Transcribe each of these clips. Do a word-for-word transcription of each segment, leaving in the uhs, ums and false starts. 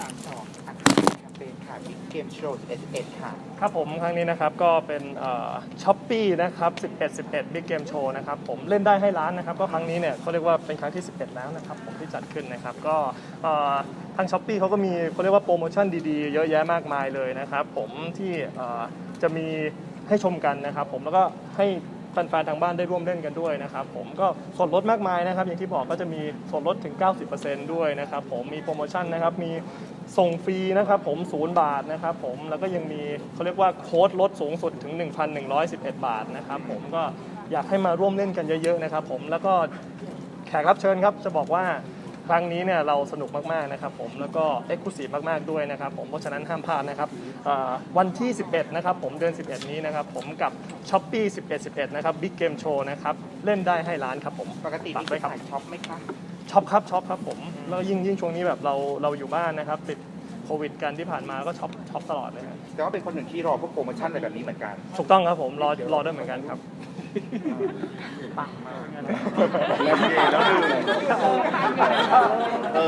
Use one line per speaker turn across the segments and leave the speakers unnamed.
ามสองค่ะแคมเปญค่ะบิ๊กเกมโชว์สิบเอ็ด สิบเอ็ดค่ะ
ครับผมครั้งนี้นะครับก็เป็นช้อปปี้นะครับสิบเอ็ด สิบเอ็ด Big Game Show นะครับผมเล่นได้ให้ล้านนะครับก็ครั้งนี้เนี่ยเขาเรียกว่าเป็นครั้งที่สิบเอ็ดแล้วนะครับผมที่จัดขึ้นนะครับก็เอ่อทางช้อปปี้เขาก็มีเขาเรียกว่าโปรโมชั่นดีๆเยอะแยะมากมายเลยนะครับผมที่เอ่อจะมีให้ชมกันนะครับผมแล้วก็ให้แฟนๆทางบ้านได้ร่วมเล่นกันด้วยนะครับผมก็ส่วนลดมากมายนะครับอย่างที่บอกก็จะมีส่วนลดถึง เก้าสิบเปอร์เซ็นต์ ด้วยนะครับผมมีโปรโมชั่นนะครับมีส่งฟรีนะครับผมศูนย์บาทนะครับผมแล้วก็ยังมีเขาเรียกว่าโค้ดลดสูงสุดถึง หนึ่งพันหนึ่งร้อยสิบเอ็ด บาทนะครับผมก็อยากให้มาร่วมเล่นกันเยอะๆนะครับผมแล้วก็แขกรับเชิญครับจะบอกว่าครั้งนี้เนี่ยเราสนุกมากๆนะครับผมแล้วก็เอ็กซ์คลูซีฟมากๆด้วยนะครับผมเพราะฉะนั้นห้ามพลาดนะครับวันที่สิบเอ็ดนะครับผมเดือนสิบเอ็ดนี้นะครับผมกับ Shopee สิบเอ็ด สิบเอ็ดนะครับ Big Game Show นะครับเล่นได้ให้ล้านครับผม
ปกติมี
ฝาก
ขา
ไว้ครับ
ยช็อปไหมคะ
ช็อปครับช็อปครับผมแล้วยิ่งยิ่งช่วงนี้แบบเราเราอยู่บ้านนะครับติดโควิดกันที่ผ่านมาก็ช็อปช็อปตลอดเลยครับ
แต่ว่าเป็นคนหนึ่งที่รอพวกโปรโมชั่นอะไรแบบนี้เหมือนกัน
ถูกต้องครับผมรอรอด้วยเหมือนกันครับ
ปังมากแล้วดีแล้วดีเอ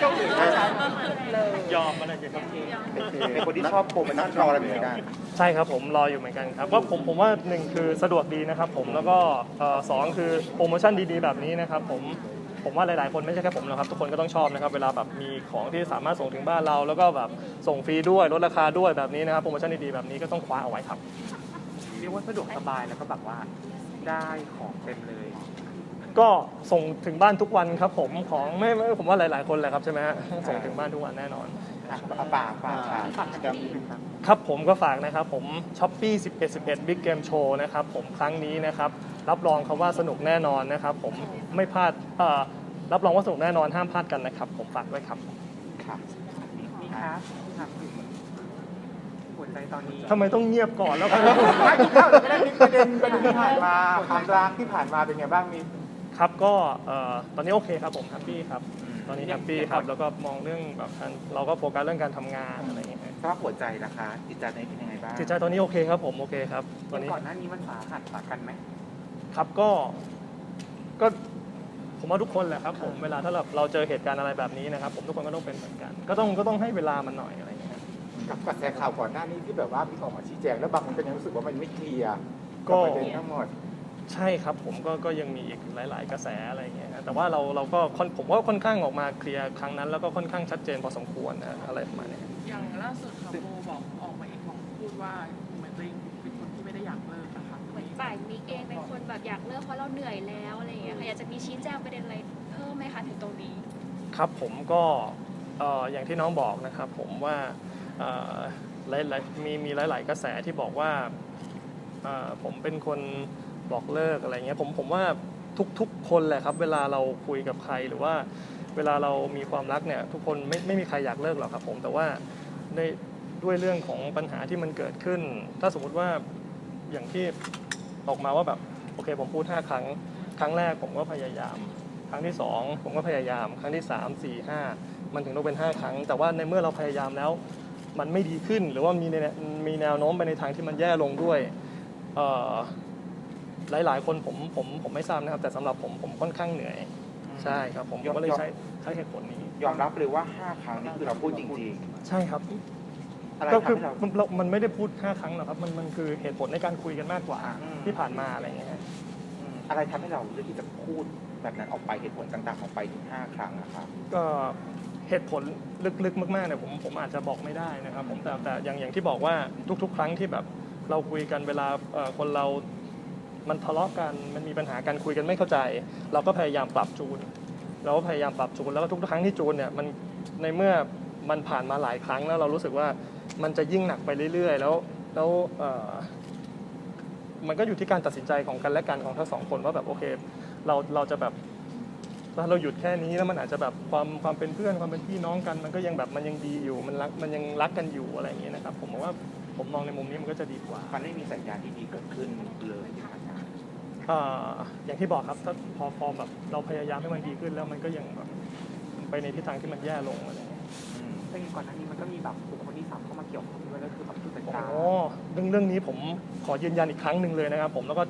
อย
อมมันอะไรครับ
เป็นคนที่ชอบโปรโมชั่นรออะไรเหมือนกัน
ใช่ครับผมรออยู่เหมือนกันครับก็ผมผมว่าหนึ่งคือสะดวกดีนะครับผมแล้วก็เอ่อสองคือโปรโมชั่นดีๆแบบนี้นะครับผมผมว่าหลายๆคนไม่ใช่แค่ผมนะครับทุกคนก็ต้องชอบนะครับเวลาแบบมีของที่สามารถส่งถึงบ้านเราแล้วก็แบบส่งฟรีด้วยลดราคาด้วยแบบนี้นะครับโปรโมชั่นดีๆแบบนี้ก็ต้องคว้าเอาไว้ครับ
เรียกว่าสะดวกสบายแล้วก็แบบว่าได้ของเต็มเลย
ก็ส่งถึงบ้านทุกวันครับผมของไม่ไม่ผมว่าหลายๆคนแหละครับใช่ไหมฮะส่งถึงบ้านทุกวันแน่นอน
ป่าป่าค่ะครับ
ครับผมก็ฝากนะครับผม Shopee สิบเอ็ด สิบเอ็ด Big Game Show นะครับผมครั้งนี้นะครับรับรองครับว่าสนุกแน่นอนนะครับผมไม่พลาดเอ่อรับรองว่าสนุกแน่นอนห้ามพลาดกันนะครับผมฝากไว้ครับ
ครับนี่ครับครับหัวใจตอนนี้
ทำไมต้องเงียบก่อนแล้วครับ
ไม่เข้าไม่ได้ประเด็นประเด็นที่ผ่านมาความรักที่ผ่านมาเป็นไงบ้างมี
ครับก็เอ่อตอนนี้โอเคครับผมแฮปปี้ครับตอนนี้แฮปปี้ครับแล้วก็มองเรื่องแบบการเราก็โฟกัสเรื่องการทำงานอะไรอย่างเงี้ย
สภาพหัวใจนะคะจิตใจตอนนี้เป็นยังไงบ้าง
จิตใจตอนนี้โอเคครับผมโอเคครับตอนนี้
ก่อนหน้านี้มันสาหัสสากันไหม
ครับก็ก็ผมว่าทุกคนแหละครับผมเวลาถ้าเราเราเจอเหตุการณ์อะไรแบบนี้นะครับผมทุกคนก็ต้องเป็นเหมือนกัน ก็ต้องก็ต้องให้เวลามันหน่อยอะไรอย่างเงี้ย
กับกระแสข่าวก่อนหน้านี้ที่แบบว่าพี่ออกมาชี้แจงแล้วบางคนก็ยังรู้สึกว่ามันไม่เคลียร์
ก็
บประเด็นทั้งหมด
ใช่ครับผมก็ก็ยังมีอีกหลาย ๆ กระแสอะไรอย่างเงี้ยฮะแต่ว่าเราเราก็ค่อนผมว่าค่อนข้างออกมาเคลียร์ครั้งนั้น แล้วก็ค่อนข้างชัดเจนพอสมควรนะอะไรประมาณเนี้ย
อย่างล่าสุดค่ะโบบอกออกมาเองบอกพูดว่าเหมือนตัวเองเป็นคนที่ไม่ได้อยากเลิกนะคะ
เหมือนฝ่ายมิกเองเป็นคนแบบอยากเลิกเพราะเราเหนื่อยแล้วอะไรอย่างเงี้ยค่ะอยากจะมีชี้แจงประเด็นอะไรเพิ่มไหมคะถึงตรงนี้
ครับผมก็เอ่ออย่างที่น้องบอกนะครับผมว่าเอ่อหลายๆมีมีหลาย ๆ กระแสที่บอกว่าเอ่อผมเป็นคนบอกเลิกอะไรเงี้ยผมผมว่าทุกๆคนแหละครับเวลาเราคุยกับใครหรือว่าเวลาเรามีความรักเนี่ยทุกคนไม่ไม่มีใครอยากเลิกหรอกครับผมแต่ว่าในด้วยเรื่องของปัญหาที่มันเกิดขึ้น ถ้าสมมุติว่าอย่างที่ออกมาว่าแบบโอเคผมพูดห้าครั้งครั้งแรกผมก็พยายาม ครั้งที่สองผมก็พยายามครั้งที่สาม สี่ ห้ามันถึงต้องเป็นห้าครั้ง แต่ว่าในเมื่อเราพยายามแล้วมันไม่ดีขึ้น หรือว่ามีในมีแนวโน้มไปในทางที่มันแย่ลงด้วยเอ่อหลายๆ คนผมผมผมไม่ทราบนะครับแต่สำหรับผมผมค่อนข้างเหนื่อยใช่ครับผมผมก็เลยใช้ใช้เหตุผลนี้
ยอมรับเลยว่าห้าครั้งนี่คือเราพูดจริง
ใช่ครับ
ๆ อะไร
ก็
ทำ
คือ
ให้เรา
มันเรามันไม่ได้พูดห้าครั้งหรอกครับมันมันคือเหตุผลในการคุยกันมากกว่า
อืม
ที่ผ่านมาอะไรอย่างเงี้ย
อืมอะไรทำให้เราเลือกที่จะพูดแบบนั้นออกไปเหตุผลต่างๆออกไปถึงห้าครั้งนะครับ
ก็เหตุผลลึกๆมากๆเนี่ยผมผมอาจจะบอกไม่ได้นะครับผมแต่แต่อย่างอย่างที่บอกว่าทุกๆ ครั้งที่แบบเราคุยกันเวลาเอ่อคนเรามันทะเลาะกันมันมีปัญหาการคุยกันไม่เข้าใจ เราก็พยายามปรับจูนเราก็พยายามปรับจูนแล้วก็ทุกๆครั้งที่จูนเนี่ยมันในเมื่อมันผ่านมาหลายครั้งแล้วเรารู้สึกว่ามันจะยิ่งหนักไปเรื่อยๆ แล้วแล้วเอ่อมันก็อยู่ที่การตัดสินใจของกันและกันของทั้งสองคนว่าแบบโอเคเราเราจะแบบ ถ้าเราหยุดแค่นี้แล้วมันอาจจะแบบความความเป็นเพื่อนความเป็นพี่น้องกัน มันก็ยังแบบมันยังดีอยู่มันรักมันยังรักกันอยู่อะไรอย่างเงี้ยนะครับผมมองว่าผมมองในมุมนี้มันก็จะดีกว่า
มันไม่มีสัญญาณที่ดีเกิดขึ้นเลยที่ผ่านมา
เอ่ออย่างที่บอกครับถ้าพอพอแบบเราพยายามให้มันดีขึ้นแล้วมันก็ยังแบบไปในทิศทางที่มันแย่ลงอะไรอย่างเงี้ย
อืม
แต่ก่อนหน้านี้มันก็มีแบบบุคคลที่สามเข้ามาเกี่ยวข้องด้วยก็คือแบบผู้จัด
โอ้
การ
เรื่องเรื่องนี้ผมขอยืนยันอีกครั้งหนึ่งเลยนะครับผมแล้วก็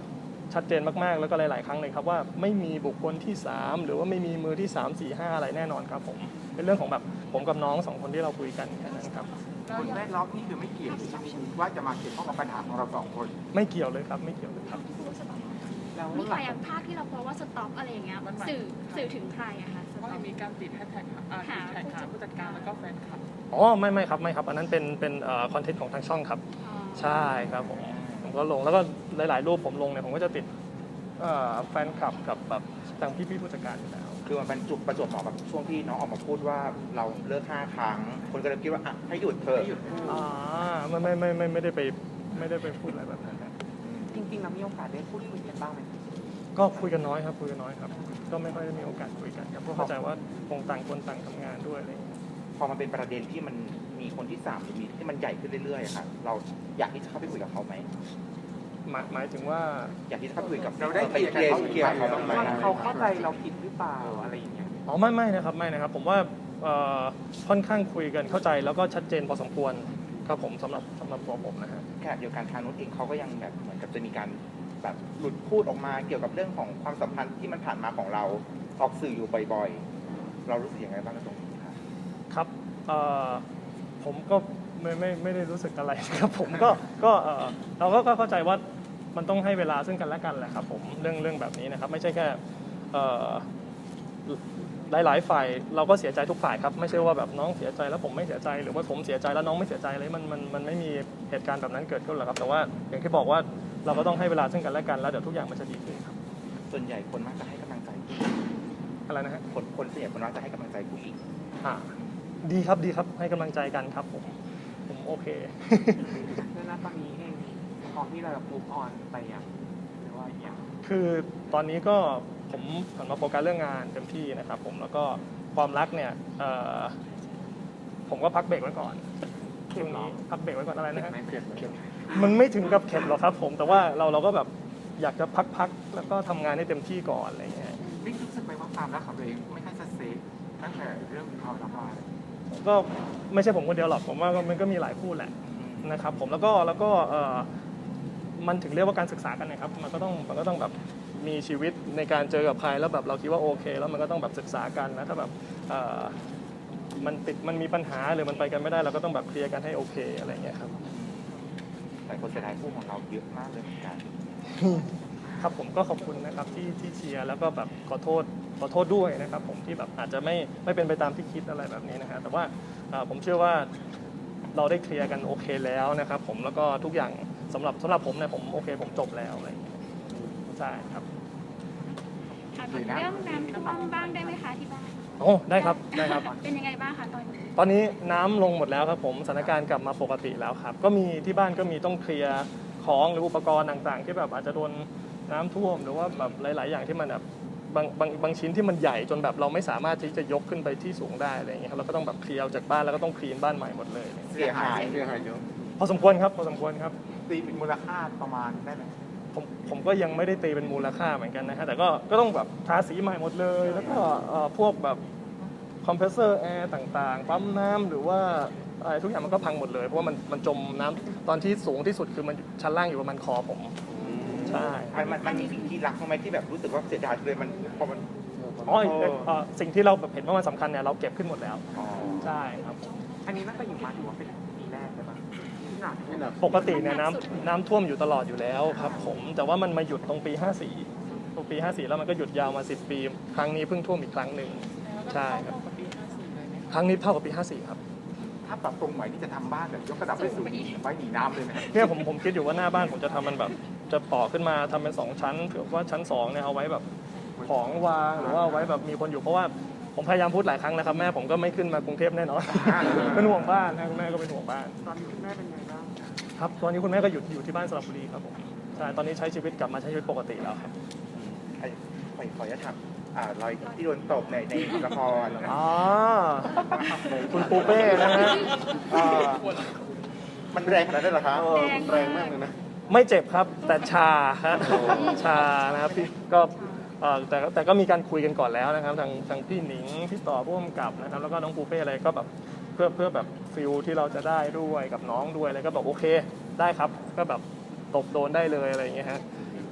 ชัดเจนมากๆแล้วก็หลายๆครั้งเลยครับว่าไม่มีบุคคลที่สามหรือว่าไม่มีมือที่สาม สี่ ห้าอะไรแน่นอนครับผมเป็นเรื่องของแบบผมกับน้องสองคนที่เราคุยกันแค่นั้นครับ
คนแวดล้อมนี่คือไม่เกี่ยวใช่ไหมว่าจะมาเกี่ยวข้องกับปัญหาของเราสองคน
ไม่เกี่ยวเลยครับไม่เกี่ยวเลยครับ
แล้ว
มี
ห
ใคร
ลัง
อย่างภาพที่เราโพสต์ว่าสต็อปอะไรอย่างเงี้ยสื่อสื่อถึงใครอะคะส
เพราะ
ต็อป
มีการติดแฮชแท็กอ่าติดแท็กหาผู้จัดการแล้วก็แฟนคลับ
อ๋อไม่ไม่ครับไม่ครับอันนั้นเป็นเป็นคอนเทนต์ของทางช่องครับ
อ๋อ
ใช่ครับผมผมก็ลงแล้วก็หลาย ๆ รูปผมลงเนี่ยผมก็จะติดเอ่อแฟนคลับกับแบบทางพี่ๆผู้จัดการอยู่แล้ว
คือมันเป็นจุดประจวบเหมาะกับช่วงที่น้องออกมาพูดว่าเราเลิกห้าครั้ง คนก็เลยคิดว่าอ่ะให้หยุดเถอะ
อ่าไม่ไม่ไม่ไม่ไม่ได้ไปไม่ได้ไปพูดอะไรแบบนั้นครับ
จริงๆเรามีโอกาสได้พูดคุยกันบ้างไหม
ก็คุยกันน้อยครับคุยกันน้อยครับ ก็ไม่ค่อยได้มีโอกาสคุยกันครับเพราะเข้าใจว่าคงต่างคนต่างทำงานด้วยอะไรอย่างเงี้ย
พอมันเป็นประเด็นที่มันมีคนที่สามหรือมีที่มันใหญ่ขึ้นเรื่อยๆอะค่ะเราอยากที่จะเข้าไปคุยกับเขาไหม
หมายหมายถึงว่า
อยากที่จะเข้าไปคุยกับ
เราได้
ไปเคลียร์เคลียร์เขาบ้างไหม
เขาเข้าใจเราผิดหรือเปล่าอะไรอย่างเงี้ย
อ๋อไม่ไม่นะครับไม่นะครับ ผมว่าเอ่อค่อนข้างคุยกันเข้าใจแล้วก็ชัดเจนพอสมควรครับผมสำหรับสำหรับตัวผมนะฮะ
แค่เดียวกันทางนู้นเองเขาก็ยังแบบเหมือนกับจะมีการแบบหลุดพูดออกมาเกี่ยวกับเรื่องของความสัมพันธ์ที่มันผ่านมาของเราออกสื่ออยู่บ่อยๆ เรารู้สึกยังไงบ้างในตรงนี้ครับ
ครับเอ่อผมก็ไม่ไม่ไม่ได้รู้สึกอะไรครับผมก็ก็เอ่อเราก็ก็เข้าใจว่ามันต้องให้เวลาซึ่งกันและกันแหละครับผมเรื่องเรื่องแบบนี้นะครับไม่ใช่แค่เอ่อหลายๆฝ่ายเราก็เสียใจทุกฝ่ายครับไม่ใช่ว่าแบบน้องเสียใจแล้วผมไม่เสียใจหรือว่าผมเสียใจแล้วน้องไม่เสียใจเลยมันมันมันไม่มีเหตุการณ์แบบนั้นเกิดขึ้นหรอกครับแต่ว่าอย่างที่บอกว่าเราก็ต้องให้เวลาซึ่งกันและกันแล้วเดี๋ยวทุกอย่างมันจะดีขึ้นครับ
ส่วนใหญ่คนมักจะให้กำลังใจผู้
อะไรนะฮะ
คนคนส่วนใหญ่คนมักจะให้กำลังใจผู้หญิง
อ่าดีครับดีครับให้กำลังใจกันครับผมผมโอเค
แล้วตอนนี้เองพร้อมที่เราจะมูฟออนไปยังหรือว่าอย่าง
คือตอนนี้ก็ผมหันมาโฟกัสเรื่องงานเต็มที่นะครับผมแล้วก็ความรักเนี่ยเอ่อผมก็พักเบรกไว้ก่อนช่วงนี้พักเบรกไว้ก่อนอะไรนะฮะ
ไม่เปลี่ยนเหมือนเดิม
มันไม่ถึงกับเข็ดหรอกครับผมแต่ว่าเราเราก็แบบอยากจะพักๆแล้วก็ทำงานให้เต็มที่ก่อนอะไรอย่างเงี้ย
บิ๊กรู้สึกไหมว่าความรักของตัวเองไม่ค่อยจะเซฟตั้งแต่เรื่องความรักมาเลย
ก็ไม่ใช่ผมคนเดียวหรอกผมว่ามันก็มีหลายคู่แหละนะครับผมแล้วก็แล้วก็เอ่อมันถึงเรียกว่าการศึกษากันนะครับมันก็ต้องมันก็ต้องแบบมีชีวิตในการเจอกับใครแล้วแบบเราคิดว่าโอเค แล้วมันก็ต้องแบบศึกษากันนะถ้าแบบเอ่อมันติดมันมีปัญหาหรือมันไปกันไม่ได้เราก็ต้องแบบเคลียร์กันให้โอเคอะไรอย่างเงี้ยครับ
หลายคนเสียดายคู่ของเราเยอะมากเลยเหมือนกัน
ครับผมก็ขอบคุณนะครับที่ที่เชียร์แล้วก็แบบขอโทษขอโทษด้วยนะครับผมที่แบบอาจจะไม่ไม่เป็นไปตามที่คิดอะไรแบบนี้นะฮะแต่ว่าเอ่อผมเชื่อว่าเราได้เคลียร์กันโอเคแล้วนะครับผมแล้วก็ทุกอย่างสำหรับสำหรับผมเนี่ยผมโอเคผมจบแล้วอะไรอย่างเงี้ยใช่ครับ
ถามถึงเรื่องน้ำท่วมบ้างได้ไหมคะที่บ้าน
โอ้ได้ครับได้ครับ
เป็นยังไงบ้างคะตอนนี้
ตอนนี้น้ำลงหมดแล้วครับผมสถานการณ์กลับมาปกติแล้วครับก็มีที่บ้านก็มีต้องเคลียร์ของหรืออุปกรณ์ต่างๆ ที่แบบอาจจะโดนน้ำท่วมหรือว่าแบบหลายๆ อย่างที่มันแบบบางบางบางชิ้นที่มันใหญ่จนแบบเราไม่สามารถที่จะยกขึ้นไปที่สูงได้อะไรอย่างเงี้ยครับเราก็ต้องแบบเคลียร์ออกจากบ้านแล้วก็ต้องคลีนบ้านใหม่หมดเลย
เสียหาย
เสียหายเยอะ
พอสมควรครับพอสมควรครับ
ตีเป็นมูลค่าประมาณได้ไหม
ผมผมก็ยังไม่ได้ตีเป็นมูลค่าเหมือนกันนะฮะแต่ก็ก็ต้องแบบทาสีใหม่หมดเลย แล้วก็เอ่อพวกแบบคอมเพรสเซอร์แอร์ต่างๆปั๊มน้ำหรือว่าอะไรทุกอย่างมันก็พังหมดเลยเพราะว่ามันมันจมน้ำตอนที่สูงที่สุดคือมันชั้นล่างอยู่ประมาณคอผมใช่
มันมันมันมีสิ่งที่รักบ้างไหมที่แบบรู้สึกว่าเสียดายเลยมันพอมัน
อ๋อเอ่อเอ่อสิ่งที่เราแบบเห็นว่ามันสำคัญเนี่ยเราเก็บขึ้นหมดแล้ว
อ๋อ
ใช่ครับ
อันนี้น่าจะอยู่มาถือว่าเป็นปีแรกใช่ไหมที่หนักที่หนัก
ปกติเนี่ยน้ำน้ำท่วมอยู่ตลอดอยู่แล้วครับผมแต่ว่ามันมาหยุดตรงปี ห้าสี่ตรงปี ห้าสี่ แล้วมันก็หยุดยาวมาสิบปี ครั้งนี้เพิ่งท่วมอีกครั้งหนึ่งใช่ครับ
กับปีห้าสี่เลยไหม
ครั้งนี้เท่ากับปี ห้าสี่ ครับ
ถ้าปรับตรงไหนที่จะทำบ้านแบบยกระดับให้สูงไว้หนีน้ำเลยไหม
เนี่ยผมผมคิดอยู่ว่าหน้าบ้านผมจะทำมันแบบจะต่อขึ้นมาทำเป็นสองชั้นเผื่อว่าชั้นสองเนี่ยเอาไว้แบบของวางหรือว่าเอาไว้แบบมีคนอยู่เพราะว่าผมพยายามพูดหลายครั้งนะครับแม่ผมก็ไม่ขึ้นมากรุงเทพแน่นอน เป็นห่วงบ้านนะคุณแม่ก็เป็นห่วงบ้าน
ตอนนี้คุณแม่เป็นไงบ้าง
ครับตอนนี้คุณแม่ก็อยู่อยู่ที่บ้านสระบุรีครับผมใช่ตอนนี้ใช้ชีวิตกลับมาใช้ชีวิตปกติแล้วครับ
ไอ้ขอขออนุญาตถามอ่ารอยที่โดนตบในในละคร
อ๋อคุณปูเป้นะฮะ
อ่ามันแรงขนาดนั้นเหรอคะ
แรงมากเลยนะ
ไม่เจ็บครับแต่ชาฮะชานะครับพี่ก็เอ่อแต่แต่ก็มีการคุยกันก่อนแล้วนะครับทางทางพี่หนิงพี่ต่อผู้กำกับนะครับแล้วก็น้องปูเป้อะไรก็แบบเพื่อเพื่อแบบฟิลที่เราจะได้ด้วยกับน้องด้วยอะไรก็บอกโอเคได้ครับก็แบบตบโดนได้เลยอะไรอย่างเงี้ยฮะ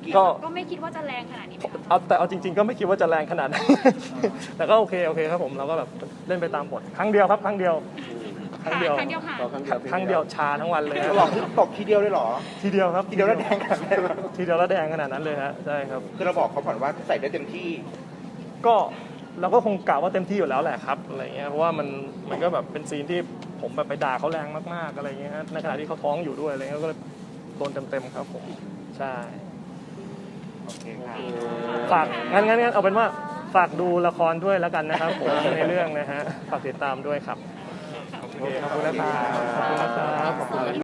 กี่ยว
ก็
ก็ไม่คิดว่าจะแรงขนาดนี้ไหมคะ
เอาแต่เอาจริงๆก็ไม่คิดว่าจะแรงขนาดนั้น แต่ก็โอเคโอเคครับผมเราก็แบบเล่นไปตามบทครั้งเดียวครับครั้งเดียวครั้งเดียว
ครั้งเดียวค่ะ
ครั้งเดียวชาทั้งวันเลยฮะ
หลอกตกทีเดียวเลยเหรอ
ทีเดียวครับ
ทีเดียวแล้วแดงขนาดนั้นเลย
ทีเดียวแล้วแดงขนาดนั้นเลยฮะใช่ครับ
คือเราบอกเขาก่อนว่าใส่ได้เต็มที่
ก็เราก็คงกล่าวว่าเต็มที่อยู่แล้วแหละครับอะไรเงี้ยเพราะว่ามันมันก็แบบเป็นซีนที่ผมแบบไปด่าเขาแรงมากๆอะไรเงี้ยฮะในขณะที่เขาท้องอยู่ด้วยอะไรเงี้ยก็เลยโดนเต็มๆครับผมใช่
โอเคค่ะ
ฝากงั้นงั้นงั้นเอาเป็นว่าฝากดูละครด้วยแล้วกันนะครับผมในเรื่องนะฮะฝากติดตามด้วยครับโอเคขอบคุณนะครับขอบคุณนะครับขอบคุณ